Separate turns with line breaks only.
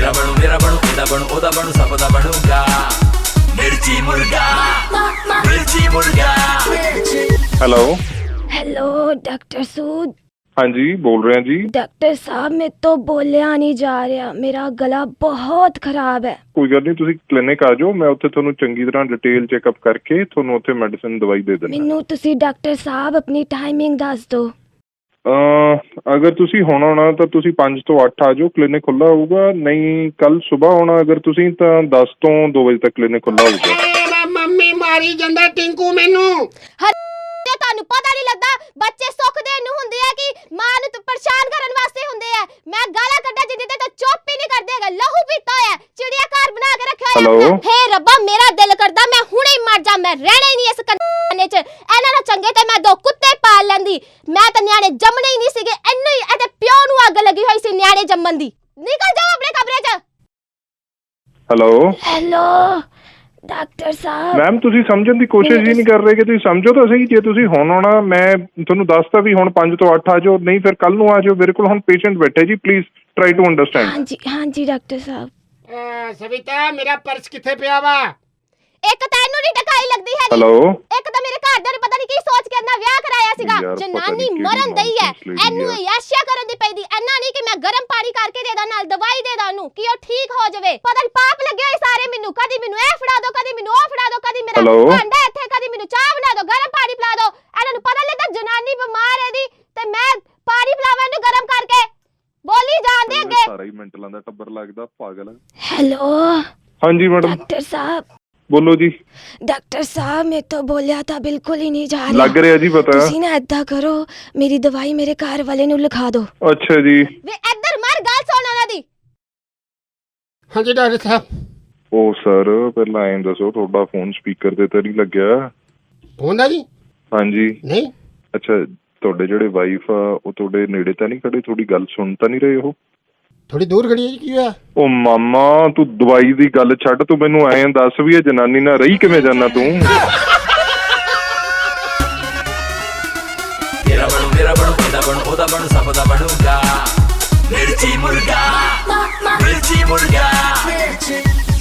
ਮੇਰਾ ਬਣੂ ਇਹਦਾ ਬਣੂ ਉਹਦਾ ਬਣੂ ਸਭ ਦਾ ਬਣੂਗਾ ਮਿਰਚੀ ਮੁਰਗਾ ਮਿਰਚੀ ਮੁਰਗਾ।
Hello
hello doctor Sood.
हाँ जी बोल रहे हैं जी।
डॉक्टर साहब मैं तो बोलिया नहीं जा रहा, मेरा गला बहुत खराब है।
ਕੋਈ ਗੱਲ ਨਹੀਂ, ਤੁਸੀਂ ਕਲੀਨਿਕ ਆ ਜਾਓ, ਮੈਂ ਉੱਥੇ ਤੁਹਾਨੂੰ ਚੰਗੀ ਤਰ੍ਹਾਂ ਡਿਟੇਲ ਚੈੱਕਅਪ ਕਰਕੇ ਤੁਹਾਨੂੰ ਉੱਥੇ ਮੈਡੀਸਿਨ ਦਵਾਈ ਦੇ ਦਿੰਦਾ।
ਮੈਨੂੰ ਤੁਸੀਂ ਡਾਕਟਰ ਸਾਹਿਬ ਆਪਣੀ ਟਾਈਮਿੰਗ ਦੱਸ ਦਿਓ।
ਅਗਰ ਤੁਸੀਂ ਹੁਣ ਆਉਣਾ ਤਾਂ ਤੁਸੀਂ 5 ਤੋਂ 8 ਆ ਜਾਓ, ਕਲੀਨਿਕ ਖੁੱਲ੍ਹਾ ਹੋਊਗਾ। ਨਹੀਂ ਕੱਲ ਸਵੇਰ ਆਉਣਾ ਅਗਰ ਤੁਸੀਂ ਤਾਂ 10 ਤੋਂ 2 ਵਜੇ ਤੱਕ ਕਲੀਨਿਕ ਖੁੱਲ੍ਹਾ ਹੋਊਗਾ।
ਮੰਮੀ ਮਾਰੀ ਜਾਂਦਾ ਟਿੰਕੂ ਮੈਨੂੰ।
ਤੁਹਾਨੂੰ ਪਤਾ ਨਹੀਂ ਲੱਗਦਾ ਬੱਚੇ ਸੁੱਖ ਦੇਣ ਨੂੰ ਹੁੰਦੇ ਆ ਕਿ ਮਾਂ ਨੂੰ ਪਰੇਸ਼ਾਨ ਕਰਨ ਵਾਸਤੇ ਹੁੰਦੇ ਆ। ਮੈਂ ਗਾਲਾਂ ਕੱਢਾਂ ਜਿੱਦੇ ਤੇ ਚੁੱਪ ਹੀ ਨਹੀਂ ਕਰਦੇ ਹੈਗਾ, ਲਹੂ ਪੀਤਾ ਹੋਇਆ, ਚਿੜੀਆ ਘਰ ਬਣਾ ਕੇ ਰੱਖਿਆ ਹੋਇਆ। ਹੇ ਰੱਬਾ ਮੇਰਾ ਦਿਲ ਕਰਦਾ ਮੈਂ ਹੁਣੇ ਹੀ ਮਰ ਜਾ, ਮੈਂ ਰਹਿਣਾ ਹੀ ਨਹੀਂ ਇਸ ਕੰਨੇ 'ਚ। ਇਹਨਾਂ ਨਾਲ ਚੰਗੇ ਤੇ ਮੈਂ 2 ਕੁੱਤੇ ਪਾਲ ਲੈਂਦੀ। ਮੈਂ ਤਾਂ ਨਿਆਣੇ ਜੰਮਣੇ ਹੀ ਨਹੀਂ ਸੀਗੇ, ਇਹਨੂੰ ਹੀ ਇਹਦੇ ਪਿਓ ਨੂੰ ਅੱਗ ਲੱਗੀ ਹੋਈ ਸੀ ਨਿਆਣੇ ਜੰਮਣ ਦੀ। ਨਿਕਲ ਜਾਓ ਆਪਣੇ ਕਮਰੇ 'ਚ।
हेलो डॉक्टर साहब।
ਮੈਮ ਤੁਸੀਂ ਸਮਝਣ ਦੀ ਕੋਸ਼ਿਸ਼ ਹੀ ਨਹੀਂ ਕਰ ਰਹੇ ਕਿ ਤੁਸੀਂ ਸਮਝੋ ਤਾਂ ਸਹੀ। ਜੇ ਤੁਸੀਂ ਹੁਣ ਆਉਣਾ ਮੈਂ ਤੁਹਾਨੂੰ ਦੱਸਤਾ ਵੀ ਹੁਣ 5 ਤੋਂ 8 ਆ ਜਾਓ, ਨਹੀਂ ਫਿਰ ਕੱਲ ਨੂੰ ਆ ਜਾਓ। ਮੇਰੇ ਕੋਲ ਹੁਣ ਪੇਸ਼ੈਂਟ ਬੈਠੇ ਜੀ, ਪਲੀਜ਼ ਟਰਾਈ ਟੂ ਅੰਡਰਸਟੈਂਡ।
हाँ जी डॉक्टर साहब।
ਸਵਿਤਾ ਮੇਰਾ ਪਰਸ ਕਿੱਥੇ ਪਿਆ ਵਾ?
ਇੱਕ ਤਾਂ ਇਹਨੂੰ ਨਹੀਂ ਟਕਾਈ ਲੱਗਦੀ ਹੈਗੀ। ਇੱਕ ਤਾਂ ਮੇਰੇ ਘਰ ਦੇ ਨੇ ਪਤਾ ਨਹੀਂ ਕੀ ਸੋਚ ਕੇ ਇਹਨਾਂ ਵਿਆਹ ਕਰਾਇਆ ਸੀਗਾ। ਜਨਾਨੀ ਮਰਨ ਦਈ ਹੈ, ਇਹਨੂੰ ਯਾਸ਼ਿਆ ਕਰਨ ਦੀ ਪੈਂਦੀ। ਇੰਨਾ ਨਹੀਂ ਕਿ ਮੈਂ ਗਰਮ ਪਾਣੀ ਕਰਕੇ ਦੇ ਦਾਂ ਨਾਲ ਦਵਾਈ ਦੇ ਦਾਂ ਉਹਨੂੰ ਕਿ ਉਹ ਠੀਕ ਹੋ ਜਾਵੇ। ਪਤਾ ਨਹੀਂ ਪਾਪ ਲੱਗੇ ਹੋਏ ਸਾਰੇ ਮੈਨੂੰ। ਕਦੀ ਮੈਨੂੰ ਇਹ ਫੜਾ ਦੋ, ਕਦੀ ਮੈਨੂੰ ਉਹ ਫੜਾ ਦੋ, ਕਦੀ ਮੇਰਾ ਭਾਂਡਾ ਇੱਥੇ, ਕਦੀ ਮੈਨੂੰ ਚਾਹ ਬਣਾ ਦੋ, ਗਰਮ ਪਾਣੀ ਪਿਲਾ ਦੋ। ਇਹਨਾਂ ਨੂੰ ਪਤਾ ਲੱਗਦਾ ਜਨਾਨੀ ਬਿਮਾਰ ਹੈ ਦੀ ਤੇ ਮੈਂ ਪਾਣੀ ਪਿਲਾਵਾਂ ਇਹਨੂੰ ਗਰਮ ਕਰਕੇ। ਬੋਲੀ ਜਾਂਦੇ ਅੱਗੇ।
ਸਾਰਾ ਹੀ ਮੈਂਟਲਾਂ ਦਾ ਟੱਬਰ ਲੱਗਦਾ ਪਾਗਲ।
हेलो
ਹਾਂਜੀ ਮੈਡਮ
डॉक्टर साहब।
ਬੋਲੋ ਜੀ।
डॉक्टर साहब मैं तो बोलिया था बिल्कुल ही नहीं जा रहा।
ਲੱਗ ਰਿਹਾ ਜੀ ਪਤਾ।
ਤੁਸੀਂ ਨਾ ਏਦਾਂ ਕਰੋ, ਮੇਰੀ ਦਵਾਈ ਮੇਰੇ ਘਰ ਵਾਲੇ ਨੂੰ ਲਿਖਾ ਦਿਓ।
ਅੱਛਾ ਜੀ।
ਵੇ ਇੱਧਰ ਮਰ ਗੱਲ ਸੁਣ ਉਹਨਾਂ ਦੀ।
ਹਾਂਜੀ ਡਾਕਟਰ ਸਾਹਿਬ।
ਉਹ ਸਰ ਪਹਿਲਾਂ ਐਂ ਦੱਸੋ ਤੁਹਾਡਾ ਫੋਨ ਸਪੀਕਰ ਤੇ ਤਾਂ ਨਹੀਂ ਲੱਗਿਆ?
ਹੁੰਦਾ ਜੀ
ਹਾਂਜੀ।
ਨਹੀਂ।
ਅੱਛਾ ਤੁਹਾਡੇ ਜਿਹੜੇ ਵਾਈਫ ਆ ਉਹ ਤੁਹਾਡੇ ਨੇੜੇ ਤਾਂ ਨਹੀਂ ਖੜੇ? ਤੁਹਾਡੀ ਗੱਲ ਸੁਣ ਤਾਂ ਨਹੀਂ ਰਹੇ ਉਹ?
ਥੋੜੀ ਦੂਰ ਖੜੀ ਹੈ ਜੀ, ਕੀ ਹੋਇਆ? ਉਹ
ਮਾਮਾ ਤੂੰ ਦਵਾਈ ਦੀ ਗੱਲ ਛੱਡ, ਤੂੰ ਮੈਨੂੰ ਐਂ ਦੱਸ ਵੀ ਇਹ ਜਨਾਨੀ ਨਾਲ ਰਹੀ ਕਿਵੇਂ ਜਾਨਾ ਤੂੰ?
ਮੇਰਾ ਬਣੂ ਇਹਦਾ ਬਣੂ ਉਹਦਾ ਬਣੂ ਸਭ ਦਾ ਬਣੂਗਾ ਮਿਰਚੀ ਮੁਰਗਾ ਮਿਰਚੀ ਮੁਰਗਾ।